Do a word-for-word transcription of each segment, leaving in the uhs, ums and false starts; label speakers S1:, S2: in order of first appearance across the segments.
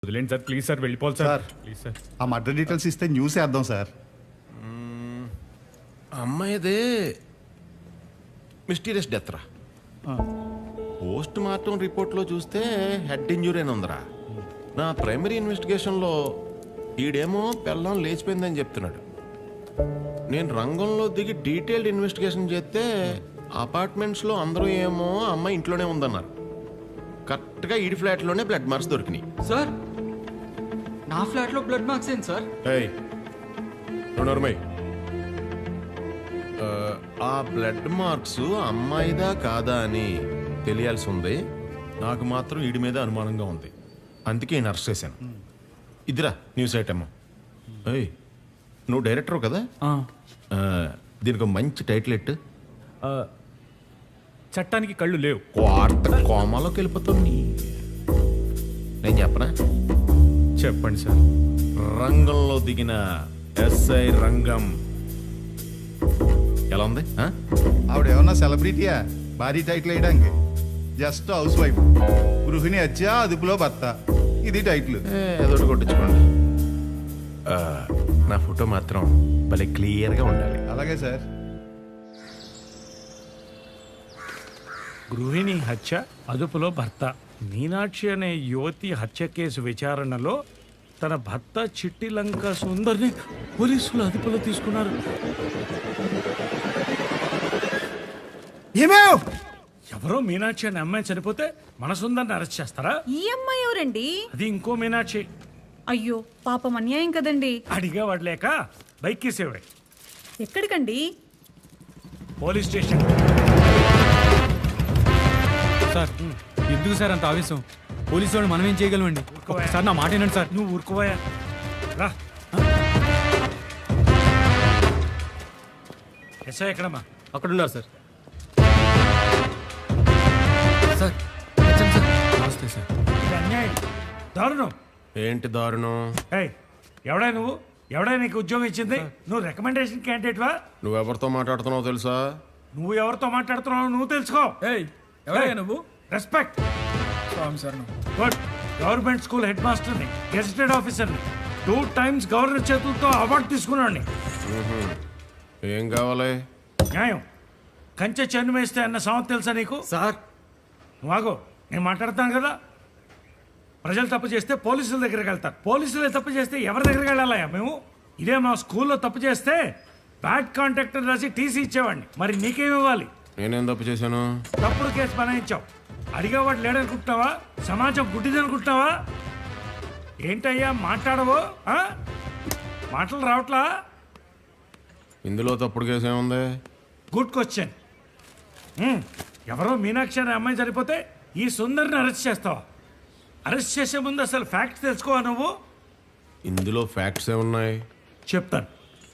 S1: వదిలేండి sir, please sir, వెళ్ళిపోవాలి sir.
S2: Sir
S1: please sir.
S2: ఆ మర్డర్ డీటెయిల్స్ ఇస్తే న్యూస్ వేద్దాం సార్.
S3: అమ్మాయిదే మిస్టీరియస్ డెత్ రా. పోస్ట్ మార్టం రిపోర్ట్లో చూస్తే హెడ్ ఇంజురీ అని ఉందిరా. నా ప్రైమరీ ఇన్వెస్టిగేషన్లో ఈడేమో పెళ్ళం లేచిపోయిందని చెప్తున్నాడు. నేను రంగంలో దిగి డీటెయిల్డ్ ఇన్వెస్టిగేషన్ చేస్తే అపార్ట్మెంట్స్లో అందరూ ఏమో అమ్మాయి ఇంట్లోనే ఉందన్నారు. కరెక్ట్గా ఈడి ఫ్లాట్లోనే బ్లడ్ మార్క్స్ దొరికినాయి.
S4: సార్ నా ఫ్లాట్లో బ్లడ్ మార్క్స్ ఏంటి సార్?
S3: ఏయ్ నోర్మై, ఆ బ్లడ్ మార్క్స్ అమ్మాయిదా కాదా అని తెలియాల్సి ఉంది. నాకు మాత్రం వీడి మీద అనుమానంగా ఉంది, అందుకే నేను అరెస్ట్ చేశాను. ఇదిరా న్యూస్ ఐటమ్. ఏయ్ నువ్వు డైరెక్టర్ కదా, ఆ, దీనికి ఒక మంచి టైటిల్ ఎట్టు.
S1: ఆ, చట్టానికి కళ్ళు లేవు.
S3: వార్త కోమాలోకి వెళ్ళిపోతుంది. నేను చెప్పనా?
S1: చెప్పండి సార్.
S3: రంగంలో దిగిన ఎస్ఐ రంగం ఎలా ఉంది? ఆ?
S2: ఆవిడ ఏమన్నా సెలబ్రిటీయా భారీ టైటిల్ వేయడానికి? జస్ట్ హౌస్ వైఫ్, గృహిణి హత్య అదుపులో భర్త, ఇది టైటిల్.
S3: ఏ, ఏదోటి కొట్టించుకోండి. ఆ, నా ఫోటో మాత్రం భలే క్లియర్గా ఉండాలి.
S2: అలాగే సార్.
S1: గృహిణి హత్య అదుపులో భర్త. మీనాక్షి అనే యువతి హత్య కేసు విచారణలో తన భర్త చిట్టి లంక సుందర్ని పోలీసులు అదుపులో తీసుకున్నారు. ఎవరో మీనాక్షి అనే అమ్మాయి చనిపోతే మన సుందర్ని అరెస్ట్ చేస్తారా?
S5: ఈ అమ్మాయి ఎవరండి?
S1: అది ఇంకో మీనాక్షి.
S5: అయ్యో పాపం, అన్యాయం కదండి.
S1: అడిగా వాడలేక బైక్ కేసేవాడు.
S5: ఎక్కడికండి?
S1: Police station.
S4: సార్ ఎందుకు సార్ అంత ఆవేశం? పోలీసు వాళ్ళు మనం ఏం చేయగలమండి? సార్ నా మాట ఏనండి సార్.
S1: నువ్వు ఊరుకోవా రా. ఎస్ఐ ఎక్కడమ్మా?
S4: అక్కడ ఉన్నారు సార్. సార్ వచ్చాను సార్. నమస్తే సార్.
S1: ఇది అన్యాయం, దారుణం.
S3: ఏంటి దారుణం?
S1: ఏయ్ ఎవడా నువ్వు? ఎవడా నీకు ఉద్యోగం ఇచ్చింది? నువ్వు రికమెండేషన్ క్యాండిడేట్వా?
S3: నువ్వెవరితో మాట్లాడుతున్నావు తెలుసా?
S1: నువ్వు ఎవరితో మాట్లాడుతున్నావు నువ్వు తెలుసుకో.
S4: ఏయ్ ఎవరయ్యా నువ్వు?
S1: Respect.
S4: Sir
S1: good. Government school head మాస్టర్ని, గెజిటెడ్ ఆఫీసర్ని, టూ టైమ్స్ గవర్నర్ చేతులతో అవార్డు తీసుకున్నాడిని.
S3: ఏం కావాలి?
S1: న్యాయం. కంచె చెన్ను వేస్తే అన్న సామెత తెలుసా నీకు?
S4: సార్
S1: వాగో, నేను మాట్లాడతాను కదా. ప్రజలు తప్పు చేస్తే పోలీసుల దగ్గరికి వెళ్తారు. పోలీసులే తప్పు చేస్తే ఎవరి దగ్గరికి వెళ్ళాలయ్యా మేము? ఇదే మా స్కూల్లో తప్పు చేస్తే బ్యాడ్ కాంటాక్ట్ అని రాసి టీసీ ఇచ్చేవాడిని. మరి నీకేమి ఇవ్వాలి?
S3: నేనేం తప్పు చేశాను?
S1: తప్పుడు కేసు బనాయించావు. అడిగేవాడు లేడనుకుంటున్నావా? సమాజం గుడ్డిదనుకుంటున్నావా? ఏంటయ్యా మాట్లాడవు? ఆ? మాటలు రావట్లా?
S3: ఇందులో తప్పుడు కేసు ఏముంది?
S1: Good question. ఎవరో మీనాక్షి అనే అమ్మాయి సరిపోతే ఈ సుందర్ని అరెస్ట్ చేస్తావా? అరెస్ట్ చేసే ముందు అసలు ఫ్యాక్ట్స్ తెలుసుకోవా నువ్వు?
S3: ఇందులో ఫ్యాక్ట్స్ ఏమున్నాయి?
S1: చెప్తాను.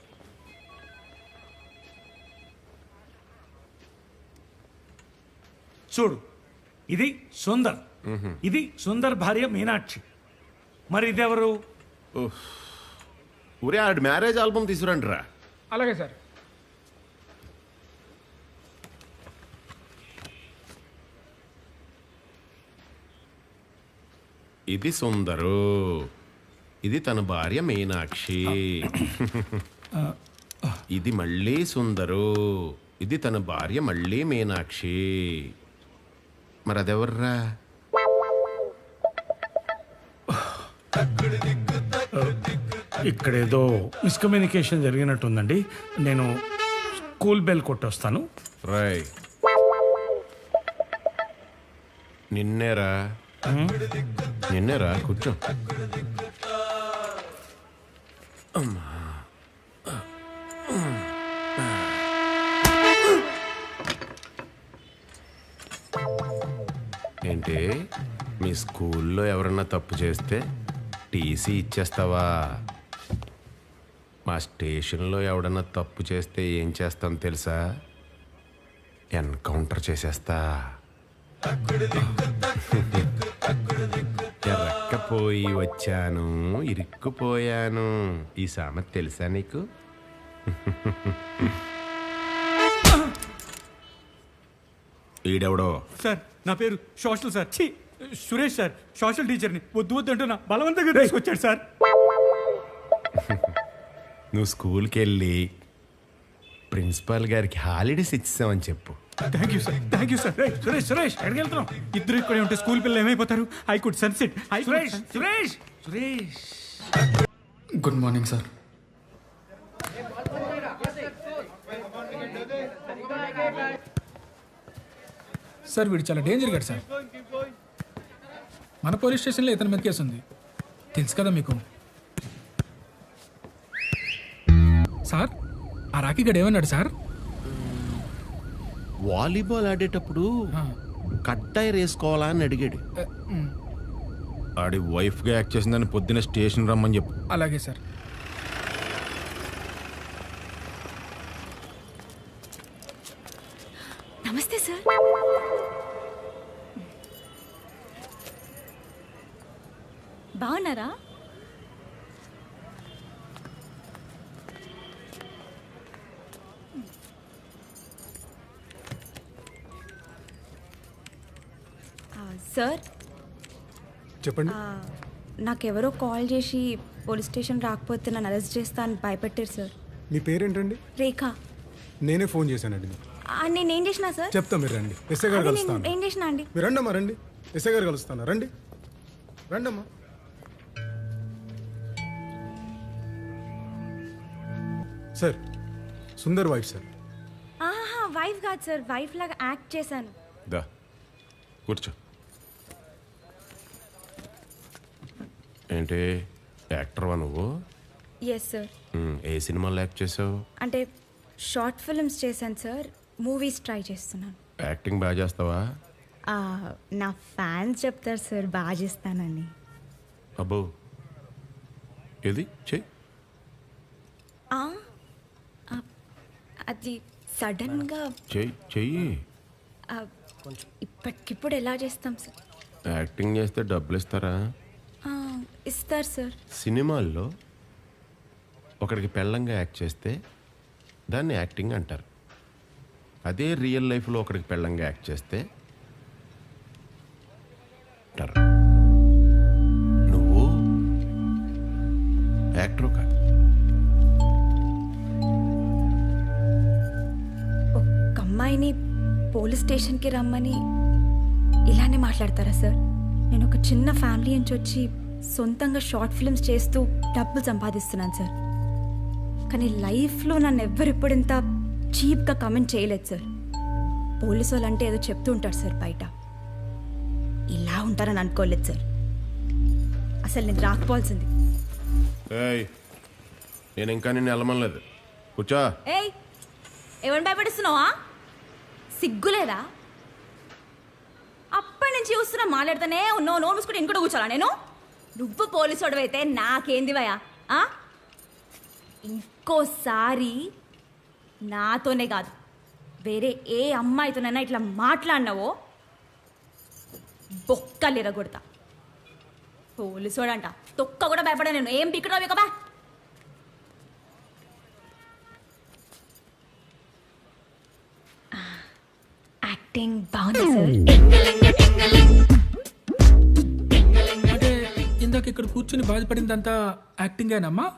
S1: చూడు, ఇది సుందర్, ఇది సుందర్ భార్య మీనాక్షి. మరి ఇదెవరు?
S3: ఊరే ఆడి మ్యారేజ్ ఆల్బమ్ తీసుకురండి రా.
S4: అలాగే సార్.
S3: ఇది సుందరు, ఇది తన భార్య మీనాక్షి. ఇది మళ్ళీ సుందరు, ఇది తన భార్య మళ్ళీ మీనాక్షి. మరి అదెవర్రా?
S1: ఇక్కడేదో మిస్కమ్యూనికేషన్ జరిగినట్టుందండి. నేను స్కూల్ బెల్ కొట్టొస్తాను.
S3: రాయ్ నిన్నేరా, నిన్నేరా. కూర్చో. ఏంటి మీ స్కూల్లో ఎవరన్నా తప్పు చేస్తే టీసీ ఇచ్చేస్తావా? మా స్టేషన్లో ఎవడన్నా తప్పు చేస్తే ఏం చేస్తాను తెలుసా? ఎన్కౌంటర్ చేసేస్తా. ఎరక్కపోయి వచ్చాను, ఇరుక్కుపోయాను. ఈ సామెత తెలుసా నీకు? ఈడెవడో?
S4: సార్ నా పేరు సోషల్ సార్. ఛీ సురేష్ సార్ సోషల్ టీచర్ని వద్దు వద్దు అంటున్నా బలవంతంగా తీసుకొచ్చాడు సార్.
S3: నువ్వు స్కూల్కి వెళ్ళి ప్రిన్సిపాల్ గారికి హాలిడేస్ ఇచ్చామని చెప్పు.
S4: Thank you sir thank you sir.
S1: Suresh Suresh ఎక్కడికి వెళ్తున్నావు?
S4: ఇద్దరు ఇక్కడే ఉంటే స్కూల్ పిల్లలు ఏమైపోతారు? I could sunset. I
S1: Suresh Suresh Suresh
S6: good morning sir.
S7: Sir వీడు చాలా డేంజర్ గాడు సార్. మన పోలీస్ స్టేషన్లో ఇతని మీద కేసు ఉంది, తెలుసు కదా మీకు. సార్ ఆ రాకీ గడు ఏమన్నాడు సార్?
S3: వాలీబాల్ ఆడేటప్పుడు కట్టాయి వేసుకోవాలా అని అడిగాడు. ఆడి వైఫ్గా యాక్ట్ చేసిందని పొద్దున్న స్టేషన్ రమ్మని చెప్పు.
S7: అలాగే సార్.
S5: నమస్తే సార్. బాగున్నారా? ఆ, సార్
S6: చెప్పండి.
S5: ఆ, నాకెవరో కాల్ చేసి పోలీస్ స్టేషన్ రాకపోతే నన్ను అరెస్ట్ చేస్తా అని భయపెట్టారు సార్.
S6: మీ పేరేంటండి?
S5: రేఖ.
S6: నేనే ఫోన్ చేశానండి మీకు.
S5: ఆ, నేనేం చేసినా సార్?
S6: చెప్తా, మీరు రండి. ఎస్ఐ గారు
S5: అదే నేను
S6: కలుస్తాను.
S5: ఏం చేసినా అండి?
S6: మీరు రండమ్మా, రండి. ఎస్ఐ గారు కలుస్తాను. రండి రండమ్మా. Sir, Sundar wife sir.
S5: ఆహా, వైఫ్ కాదు సార్, వైఫ్ లాగా యాక్ట్ చేశాను.
S3: దా కూర్చో. ఏంటి యాక్టర్వా నువ్వు?
S5: Yes sir.
S3: ఉమ్, ఏ సినిమాలో యాక్ట్ చేసావు?
S5: అంటే షార్ట్ ఫిల్మ్స్ చేశాను సార్, మూవీస్ ట్రై చేస్తున్నాను.
S3: యాక్టింగ్ బాగా చేస్తావా?
S5: ఆ, నా ఫ్యాన్స్ చెప్తారు సార్ బాగా చేస్తానని.
S3: అబ్బో, ఏది చెయ్యి.
S5: ఆ, ఆ, అది సడన్గా
S3: చెయ్యి చెయ్యి.
S5: ఆ, ఇప్పటికిప్పుడు ఎలా చేస్తాం సార్?
S3: యాక్టింగ్ చేస్తే డబ్బులు ఇస్తారా?
S5: ఆ, ఇస్తారు సార్.
S3: సినిమాల్లో ఒకడికి పెళ్ళంగా యాక్ట్ చేస్తే దాన్ని యాక్టింగ్ అంటారు. అదే రియల్ లైఫ్లో ఒకడికి పెళ్ళంగా యాక్ట్ చేస్తే అంటారు. నువ్వు యాక్టర్ కాదు.
S5: ఒక అమ్మాయిని పోలీస్ స్టేషన్కి రమ్మని ఇలానే మాట్లాడతారా సార్? నేను ఒక చిన్న ఫ్యామిలీ నుంచి వచ్చి సొంతంగా షార్ట్ ఫిల్మ్స్ చేస్తూ డబ్బులు సంపాదిస్తున్నాను సార్. కానీ లైఫ్లో నన్ను ఎవ్వరెప్పుడు ఇంత చీప్గా కమెంట్ చేయలేదు సార్. పోలీసు వాళ్ళు అంటే ఏదో చెప్తూ ఉంటారు సార్ బయట, ఇలా ఉంటారని అనుకోలేదు సార్. అసలు నేను రాకపోవాల్సింది.
S3: ఏయ్, నేను ఇంకా నిన్ను వెళ్ళమనలేదు. కూర్చో.
S5: ఏయ్, ఎవరిని భయపడిస్తున్నావా? సిగ్గులేదా? అప్పటి నుంచి చూస్తున్నా మాట్లాడుతానే ఉన్నావు. నోరు మూసుకుంటే ఇంకోటి కూర్చోాలా నేను? నువ్వు పోలీసు అయితే నాకేంది భయ? ఇంకోసారి నాతోనే కాదు వేరే ఏ అమ్మాయితోనైనా ఇట్లా మాట్లాడినావో బొక్కలు ఎరగొడతా. పోలీసోడంట తొక్క కూడా భయపడా నేను. ఏం పిక్కడో బికబా. యాక్టింగ్ బాగుంది సార్.
S7: అంటే ఇందాక ఇక్కడ కూర్చుని బాధపడిందంతా యాక్టింగేనమ్మా?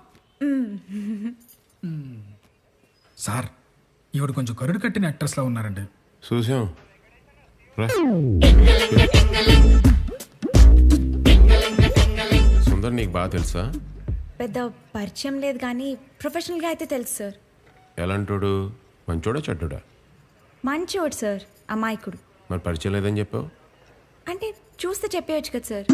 S7: మ్మ్. సార్ ఇవిడు కొంచెం కరుడు కట్టిన యాక్ట్రెస్లా ఉన్నారండి.
S3: చూసాం రా. సుందర్ నీకు బాగా తెలుసా?
S5: పెద్ద పరిచయం లేదు కానీ ప్రొఫెషనల్గా అయితే తెలుసు సార్.
S3: ఎలాంటోడు? మంచోడా చెడ్డోడా?
S5: మంచివాడు సార్, అమాయకుడు.
S3: మరి పరిచయం లేదని చెప్పావు?
S5: అంటే చూస్తే చెప్పేయచ్చు కదా సార్.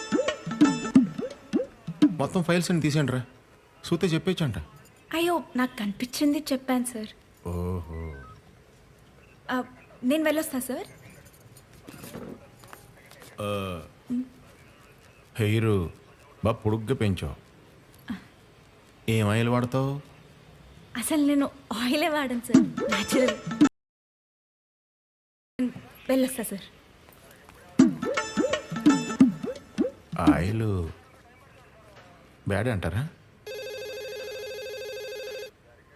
S3: మొత్తం ఫైల్స్ అని తీసేయండి రా, చూస్తే చెప్పేచ్చంట.
S5: అయ్యో, నాకు కనిపించింది చెప్పాను సార్.
S3: ఓహో,
S5: ఆ, నేను వెళ్ళొస్తా సార్.
S3: హెయిర్ బాగా పొడుగ్గా పెంచావు. ఏం ఆయిల్ వాడతావు?
S5: అసలు నేను ఆయిలే వాడను సార్, న్యాచురల్. వెళ్ళొస్తా సార్.
S3: ఆయిల్ బ్యాడ్ అంటారా?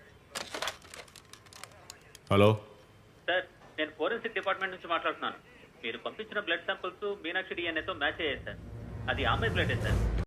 S3: హలో
S8: సార్, నేను ఫోరెన్సిక్ డిపార్ట్మెంట్ నుంచి మాట్లాడుతున్నాను. మీరు పంపించిన బ్లడ్ శాంపిల్స్ మీనాక్షి డిఎన్ఏతో మ్యాచ్ అయ్యాయి సార్. అది అమ్మాయి బ్లడే సార్.